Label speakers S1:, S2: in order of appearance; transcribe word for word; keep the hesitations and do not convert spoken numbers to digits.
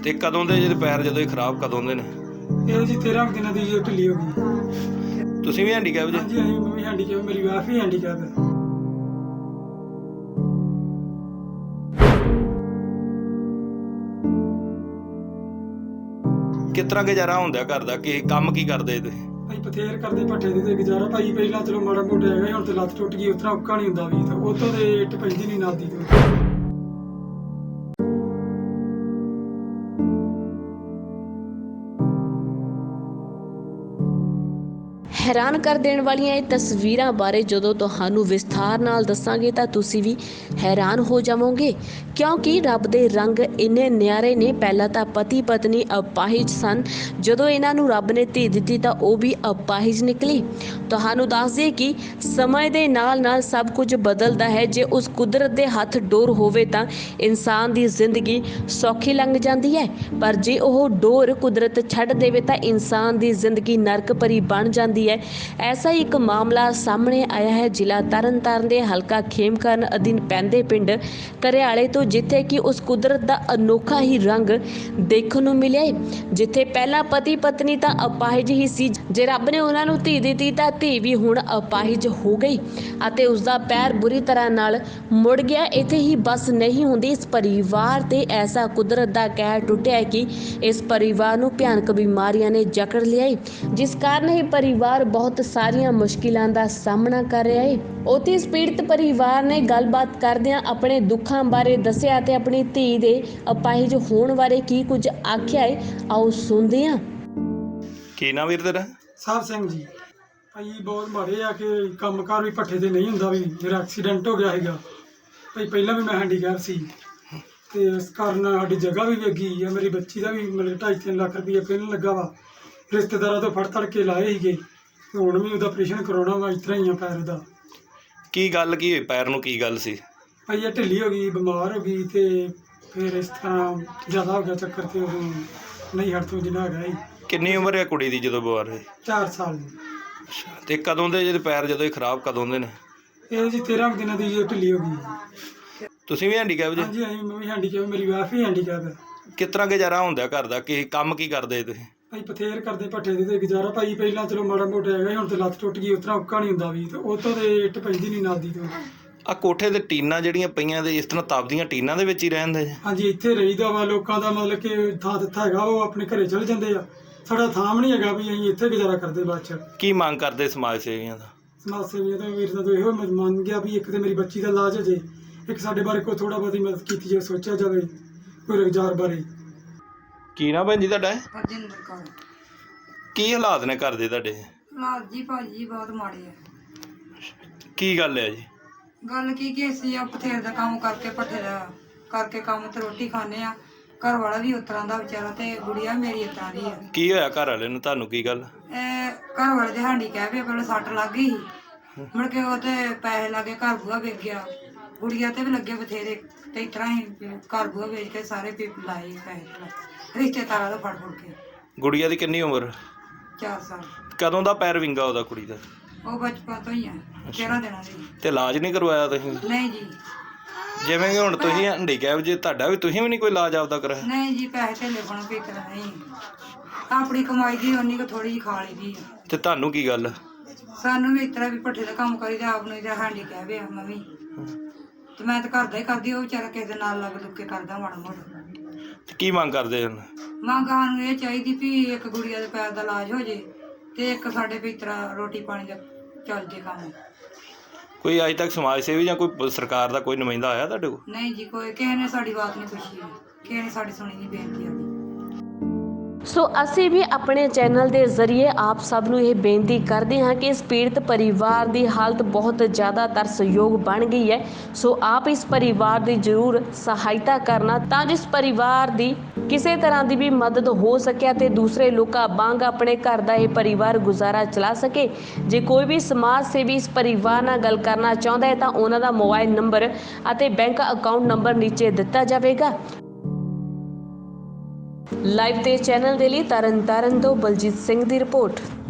S1: ਤੇ ਕਦੋਂ ਦੇ ਜਿਹਦੇ ਪੈਰ ਜਦੋਂ ਖਰਾਬ ਕਦੋਂ ਦੇ ਨੇ?
S2: ਇਹ ਜੀ ਤੇਰਾਂ ਕੁ ਦਿਨਾਂ ਦੀ ਜੀ ਢਿੱਲੀ ਹੋ ਗਈ।
S1: ਤੁਸੀਂ ਵੀ ਹੈਂਡੀਕੈਪ ਜੀ?
S2: ਹਾਂਜੀ ਹਾਂਜੀ, ਮੈਂ ਵੀ ਹੈਂਡੀਕੈਪ, ਮੇਰੀ ਵਾਈਫ ਵੀ ਹੈਂਡੀਕੈਪ ਹੈ।
S1: ਕਿਸ ਤਰ੍ਹਾਂ ਗੁਜ਼ਾਰਾ ਹੁੰਦਾ ਘਰ ਦਾ? ਕੀ ਕੰਮ ਕੀ ਕਰਦੇ ਤੁਸੀਂ?
S2: ਭਾਈ ਬਥੇਰ ਕਰਦੇ ਭੱਠੇ ਦੇ ਤੇ ਗੁਜ਼ਾਰਾ ਭਾਈ। ਪਹਿਲਾਂ ਚਲੋ ਮਾੜਾ ਮੋਟਾ ਹੈਗਾ, ਹੁਣ ਤੇ ਲੱਤ ਟੁੱਟ ਗਈ, ਉਤਰਾ ਔਖਾ ਨਹੀਂ ਹੁੰਦਾ ਵੀ, ਤੇ ਉਤੋਂ ਦੇ ਇੱਟ ਪੈਂਦੀ ਨਹੀਂ ਨਾਦੀ ਤੋਂ।
S3: हैरान कर देने वालियां ये तस्वीरां बारे जदों तुहानू विस्तार नाल दसांगे तां तुसी भी हैरान हो जावोगे, क्योंकि रब दे रंग इन्ने न्यारे ने। पहला तां पति पत्नी अपाहिज सन, जदों इन्हां नू रब ने धी दित्ती तां ओह भी अपाहिज निकली। तुहानू दस दईए कि समय दे नाल नाल सब कुछ बदलदा है। जे उस कुदरत दे हथ डोर होवे तां इंसान दी जिंदगी सौखी लंघ जांदी है, पर जे ओह डोर कुदरत छड्ड देवे तां इंसान दी जिंदगी नरक भरी बन जांदी है। ऐसा ही एक मामला सामने आया है जिला तरन ताਰਨ ਦੇ ਹਲਕਾ ਖੇਮਕਰਨ ਅਧੀਨ ਪੈਂਦੇ ਪਿੰਡ ਕਰਿਆਲੇ ਤੋਂ, ਜਿੱਥੇ ਕਿ ਉਸ ਕੁਦਰਤ ਦਾ ਅਨੋਖਾ ਹੀ ਰੰਗ ਦੇਖਣ ਨੂੰ ਮਿਲਿਆ ਹੈ। ਜਿੱਥੇ ਪਹਿਲਾਂ ਪਤੀ ਪਤਨੀ ਤਾਂ ਅਪਾਹਿਜ ਹੀ ਸੀ, ਜੇ ਰੱਬ ਨੇ ਉਹਨਾਂ ਨੂੰ ਧੀ ਦਿੱਤੀ ਤਾਂ ਧੀ ਵੀ ਹੁਣ ਅਪਾਹਿਜ ਹੋ ਗਈ ਅਤੇ ਉਸ ਦਾ ਪੈਰ ਬੁਰੀ ਤਰ੍ਹਾਂ ਨਾਲ ਮੁੜ ਗਿਆ। ਇੱਥੇ ਹੀ ਬਸ ਨਹੀਂ ਹੁੰਦੀ, ਇਸ ਪਰਿਵਾਰ ਤੇ ਐਸਾ ਕੁਦਰਤ ਦਾ ਕਹਿਰ ਟੁੱਟਿਆ ਹੈ ਕਿ ਇਸ ਪਰਿਵਾਰ ਨੂੰ ਭਿਆਨਕ ਬਿਮਾਰੀਆਂ ਨੇ ਜਕੜ ਲਿਆ ਹੈ, ਜਿਸ ਕਾਰਨ ਇਹ ਪਰਿਵਾਰ ਬਹੁਤ ਸਾਰੀਆਂ ਮੁਸ਼ਕਿਲਾਂ ਦਾ ਸਾਹਮਣਾ ਕਰ ਰਿਹਾ ਹੈ। ਉੱਥੇ ਇਸ ਪੀੜਤ ਪਰਿਵਾਰ ਨੇ ਗੱਲਬਾਤ ਕਰਦਿਆਂ ਆਪਣੇ ਦੁੱਖਾਂ ਬਾਰੇ ਦੱਸਿਆ ਤੇ ਆਪਣੀ ਧੀ ਦੇ ਅਪਾਹਿਜ ਹੋਣ ਬਾਰੇ ਕੀ ਕੁਝ ਆਖਿਆ ਹੈ, ਆਓ ਸੁਣਦੇ ਹਾਂ।
S1: ਕੀ ਨਾਮ ਵੀਰ ਤੇਰਾ?
S2: ਸਾਹਿਬ ਸਿੰਘ ਜੀ। ਭਾਈ ਬਹੁਤ ਮਾੜੇ ਆ ਕਿ ਕੰਮਕਾਰ ਵੀ ਭੱਠੇ ਤੇ ਨਹੀਂ ਹੁੰਦਾ ਵੀ। ਮੇਰਾ ਐਕਸੀਡੈਂਟ ਹੋ ਗਿਆ ਹੈਗਾ ਭਾਈ, ਪਹਿਲਾਂ ਵੀ ਮੈਂ ਹੈਂਡੀਕੈਪ ਸੀ ਤੇ ਇਸ ਕਾਰਨ ਸਾਡੀ ਜਗ੍ਹਾ ਵੀ ਵੇਗੀ ਆ। ਮੇਰੀ ਬੱਚੀ ਦਾ ਵੀ ਮਤਲਬ ਢਾਈ ਤਿੰਨ ਲੱਖ ਰੁਪਈਆ ਪਹਿਲਾਂ ਲੱਗਾ ਵਾ, ਰਿਸ਼ਤੇਦਾਰਾਂ ਤੋਂ ਫੜ ਤੜ ਕੇ ਲਾਏ ਸੀਗੇ, ਤੇ ਹੁਣ ਵੀ ਉਹਦਾ ਆਪਰੇਸ਼ਨ ਕਰਾਉਣਾ ਵਾ। ਇਸ ਤਰ੍ਹਾਂ ਹੀ ਆ ਪੈਰ ਦਾ।
S1: ਕੀ ਗੱਲ ਕੀ ਹੋਈ ਪੈਰ ਨੂੰ? ਕੀ ਗੱਲ ਸੀ?
S2: ਭਾਈ ਇਹ ਢਿੱਲੀ ਹੋ ਗਈ, ਬਿਮਾਰ ਹੋ ਗਈ, ਤੇ ਫਿਰ ਇਸ ਤਰ੍ਹਾਂ ਜ਼ਿਆਦਾ ਹੋ ਗਿਆ ਚੱਕਰ, ਤੇ ਉਦੋਂ ਨਹੀਂ ਹਟ ਤੋਂ ਜਿੰਨਾ ਹੈਗਾ ਸੀ।
S1: ਕਿੰਨੀ ਉਮਰ ਹੈ ਕੁੜੀ ਦੀ ਜਦੋਂ ਬਿਮਾਰ ਹੋਈ?
S2: ਚਾਰ ਸਾਲ ਦੀ।
S1: ਅੱਛਾ, ਤੇ ਕਦੋਂ ਦੇ ਜਿਹਦੇ ਪੈਰ ਜਦੋਂ ਖਰਾਬ ਕਦੋਂ ਦੇ ਨੇ?
S2: ਇਹ ਜੀ ਤੇਰਾਂ ਕੁ ਦਿਨਾਂ ਦੀ ਜੀ ਢਿੱਲੀ ਹੋ ਗਈ।
S1: ਤੁਸੀਂ ਵੀ ਹੈਂਡੀਕੈਪ ਜੀ?
S2: ਹਾਂਜੀ ਹਾਂਜੀ, ਮੈਂ ਵੀ ਹੈਂਡੀਕੈਪ, ਮੇਰੀ ਵਾਈਫ ਵੀ ਹੈਂਡੀਕੈਪ ਹੈ।
S1: ਕਿਸ ਤਰ੍ਹਾਂ ਗੁਜ਼ਾਰਾ ਹੁੰਦਾ ਘਰ ਦਾ? ਕੀ ਕੰਮ ਕੀ ਕਰਦੇ ਤੁਸੀਂ?
S2: ਭਾਈ ਬਥੇਰ ਕਰਦੇ ਭੱਠੇ ਦੇ ਤੇ ਗੁਜ਼ਾਰਾ ਭਾਈ। ਪਹਿਲਾਂ ਚਲੋ ਮਾੜਾ ਮੋਟਾ ਹੈਗਾ, ਹੁਣ ਤੇ ਲੱਤ ਟੁੱਟ ਗਈ, ਉਤਰਾ ਔਖਾ ਨਹੀਂ ਹੁੰਦਾ ਵੀ, ਤੇ ਉਤੋਂ ਦੇ ਇੱਟ ਪੈਂਦੀ ਨਹੀਂ ਨਾਦੀ ਤੋਂ।
S1: ਆ ਕੋਠੇ ਤੇ ਟੀਨਾਂ ਜਿਹੜੀਆਂ ਪਈਆਂ ਤੇ ਇਸ ਤਰ੍ਹਾਂ ਤਪਦੀਆਂ ਟੀਨਾਂ ਦੇ ਵਿੱਚ ਹੀ ਰਹਿੰਦੇ?
S2: ਹਾਂਜੀ, ਇੱਥੇ ਰਹੀਦਾ ਵਾ। ਲੋਕਾਂ ਦਾ ਮਤਲਬ ਕਿ ਥਾਂ ਦਿੱਤਾ ਹੈਗਾ, ਉਹ ਆਪਣੇ ਘਰੇ ਚਲੇ ਜਾਂਦੇ ਆ। ਸਾਡਾ ਥਾਂ ਵੀ ਨਹੀਂ ਹੈਗਾ ਵੀ ਅਸੀਂ ਇੱਥੇ ਗੁਜ਼ਾਰਾ ਕਰਦੇ। ਬਾਅਦ 'ਚ
S1: ਕੀ ਮੰਗ ਕਰਦੇ ਸਮਾਜ ਸੇਵੀਆਂ ਦਾ?
S2: ਸਮਾਜ ਸੇਵੀਆਂ ਤੋਂ ਵੀਰ ਦਾ ਤੋਂ ਇਹੋ ਮੰਨ ਗਿਆ ਵੀ ਇੱਕ ਤੇ ਮੇਰੀ ਬੱਚੀ ਦਾ ਇਲਾਜ ਹੋ ਜੇ, ਇੱਕ ਸਾਡੇ ਬਾਰੇ ਕੋਈ ਥੋੜ੍ਹਾ ਬਹੁਤੀ ਮਦਦ ਕੀਤੀ ਜਾਵੇ, ਸੋਚਿਆ ਜਾਵੇ ਕੋਈ ਰੁਜ਼ਗਾਰ ਬਾਰੇ।
S1: ਕੀ ਨਾ ਭੈਣ ਜੀ ਤੁਹਾਡਾ?
S4: ਹਰਜਿੰਦਰ ਕੌਰ।
S1: ਕੀ ਹਾਲਾਤ ਨੇ ਘਰ ਦੇ ਤੁਹਾਡੇ?
S4: ਹਾਲਾਤ ਜੀ ਭਾਜੀ ਬਹੁਤ ਮਾੜੇ ਆ।
S1: ਕੀ ਗੱਲ ਹੈ ਜੀ?
S4: ਗੱਲ ਕੀ ਕਿ ਅਸੀਂ ਆ ਬਥੇਰ ਦਾ ਕੰਮ ਕਰਕੇ ਭੱਠੇ ਦਾ ਕਰਕੇ ਕੰਮ ਤੇ ਰੋਟੀ ਖਾਂਦੇ ਆ। ਘਰ ਵਾਲਾ ਵੀ ਉਸ ਤਰ੍ਹਾਂ ਦਾ ਵਿਚਾਰਾ, ਤੇ ਗੁੜੀਆ ਮੇਰੀ ਇਸ ਤਰ੍ਹਾਂ ਦੀ ਆ।
S1: ਕੀ ਹੋਇਆ ਘਰ ਵਾਲੇ ਨੂੰ ਤੁਹਾਨੂੰ? ਕੀ ਗੱਲ?
S4: ਇਹ ਘਰ ਵਾਲੇ ਦੇ ਹੈਂਡੀਕੈਪ ਆ, ਪਹਿਲਾਂ ਸੱਟ ਲੱਗ ਗਈ, ਮੁੜ ਕੇ ਉਹ ਤੇ ਪੈਸੇ ਲੱਗੇ, ਘਰ ਬੂਹਾ ਵੇਚ ਗਿਆ। ਗੁੜੀਆ ਤੇ ਵੀ ਲੱਗੇ ਬਥੇਰੇ, ਤੇ ਇਸ ਤਰ੍ਹਾਂ ਹੀ ਘਰ ਬੂਹਾ ਵੇਚ ਕੇ ਸਾਰੇ ਪੀਪ ਲਾਏ ਪੈਸੇ ਰਿਸ਼ਤੇਦਾਰਾਂ ਤੋਂ ਫੜ ਫੜ ਕੇ।
S1: ਗੁੜੀਆ ਦੀ ਕਿੰਨੀ ਉਮਰ?
S4: ਚਾਰ ਸਾਲ।
S1: ਕਦੋਂ ਦਾ ਪੈਰ ਵਿੰਗਾ ਉਹਦਾ ਕੁੜੀ ਦਾ?
S4: ਉਹ ਬਚਪਨ ਤੋਂ ਹੀ ਆ, ਤੇਰਾਂ ਦਿਨਾਂ ਦੀ।
S1: ਤੇ ਇਲਾਜ ਨਹੀਂ ਕਰਵਾਇਆ ਤੁਸੀਂ?
S4: ਨਹੀਂ ਜੀ।
S1: ਜਿਵੇਂ ਕਿ ਹੁਣ ਤੁਸੀਂ ਹੈਂਡੀਕੈਪ ਜੇ ਤੁਹਾਡਾ ਵੀ, ਤੁਸੀਂ ਵੀ ਨਹੀਂ ਕੋਈ ਇਲਾਜ ਆਪਦਾ ਕਰਾਇਆ?
S4: ਨਹੀਂ ਜੀ, ਪੈਸੇ ਢੇਲੇ ਬਣ ਕੇ ਕਰਾ ਨਹੀਂ। ਆਪਣੀ ਕਮਾਈ ਦੀ ਉਨੀ ਕੁ ਥੋੜੀ ਜਿਹੀ ਖਾ ਲਈ ਦੀ ਆ।
S1: ਤੇ ਤੁਹਾਨੂੰ ਕੀ ਗੱਲ?
S4: ਸਾਨੂੰ ਵੀ ਇਸ ਤਰ੍ਹਾਂ ਵੀ ਭੱਠੇ ਦਾ ਕੰਮ ਕਰੀਦਾ, ਆਪ ਨੂੰ ਜਾਂ ਹੈਂਡੀਕੈਪ ਆ ਮੈਂ ਵੀ, ਤੇ ਮੈਂ ਤਾਂ ਘਰ ਦਾ ਹੀ ਕਰਦੀ। ਉਹ ਵਿਚਾਰਾ ਕਿਸੇ ਦੇ ਨਾਲ ਲੱਗ ਲੁੱਕ ਕੇ ਕਰਦਾ ਮਾੜਾ ਮੋਟਾ।
S1: ਤੇ ਕੀ ਮੰਗ ਕਰਦੇ ਹਨ?
S4: ਮੰਗ ਸਾਨੂੰ ਇਹ ਚਾਹੀਦੀ ਵੀ ਇੱਕ ਗੁੜੀਆ ਦੇ ਪੈਰ ਦਾ ਇਲਾਜ ਹੋ ਜੇ, ਤੇ ਇੱਕ ਸਾਡੇ ਵੀ ਇਸ ਤਰ੍ਹਾਂ ਰੋਟੀ ਪਾਣੀ ਦਾ ਚੱਲ ਜੇ ਕੰਮ।
S1: ਕੋਈ ਅੱਜ ਤੱਕ ਸਮਾਜ ਸੇਵੀ ਜਾਂ ਕੋਈ ਸਰਕਾਰ ਦਾ ਕੋਈ ਨੁਮਾਇੰਦਾ ਆਇਆ ਤੁਹਾਡੇ ਕੋਲ?
S4: ਨਹੀਂ ਜੀ, ਕੋਈ ਕਿਸੇ ਨੇ ਸਾਡੀ ਬਾਤ ਨਹੀਂ ਪੁੱਛੀ, ਕਿਸੇ ਨੇ ਸਾਡੀ ਸੁਣੀ ਨਹੀਂ ਬੇਨਤੀ ਆਦੀ।
S3: ਸੋ ਅਸੀਂ ਵੀ ਆਪਣੇ ਚੈਨਲ ਦੇ ਜ਼ਰੀਏ ਆਪ ਸਭ ਨੂੰ ਇਹ ਬੇਨਤੀ ਕਰਦੇ ਹਾਂ ਕਿ ਇਸ ਪੀੜਤ ਪਰਿਵਾਰ ਦੀ ਹਾਲਤ ਬਹੁਤ ਜ਼ਿਆਦਾ ਤਰਸਯੋਗ ਬਣ ਗਈ ਹੈ। ਸੋ ਆਪ ਇਸ ਪਰਿਵਾਰ ਦੀ ਜ਼ਰੂਰ ਸਹਾਇਤਾ ਕਰਨਾ, ਤਾਂ ਜਿਸ ਪਰਿਵਾਰ ਦੀ ਕਿਸੇ ਤਰ੍ਹਾਂ ਦੀ ਵੀ ਮਦਦ ਹੋ ਸਕਿਆ ਤੇ ਦੂਸਰੇ ਲੋਕਾਂ ਵਾਂਗ ਆਪਣੇ ਘਰ ਦਾ ਇਹ ਪਰਿਵਾਰ ਗੁਜ਼ਾਰਾ ਚਲਾ ਸਕੇ। ਜੇ ਕੋਈ ਵੀ ਸਮਾਜ ਸੇਵੀ ਇਸ ਪਰਿਵਾਰ ਨਾਲ ਗੱਲ ਕਰਨਾ ਚਾਹੁੰਦਾ ਹੈ ਤਾਂ ਉਹਨਾਂ ਦਾ ਮੋਬਾਈਲ ਨੰਬਰ ਅਤੇ ਬੈਂਕ ਅਕਾਊਂਟ ਨੰਬਰ ਨੀਚੇ ਦਿੱਤਾ ਜਾਵੇਗਾ। ਲਾਈਵ ਤੇ ਚੈਨਲ ਦੇ ਲਈ ਤਰਨ ਤਾਰਨ ਤੋਂ ਬਲਜੀਤ ਸਿੰਘ ਦੀ ਰਿਪੋਰਟ।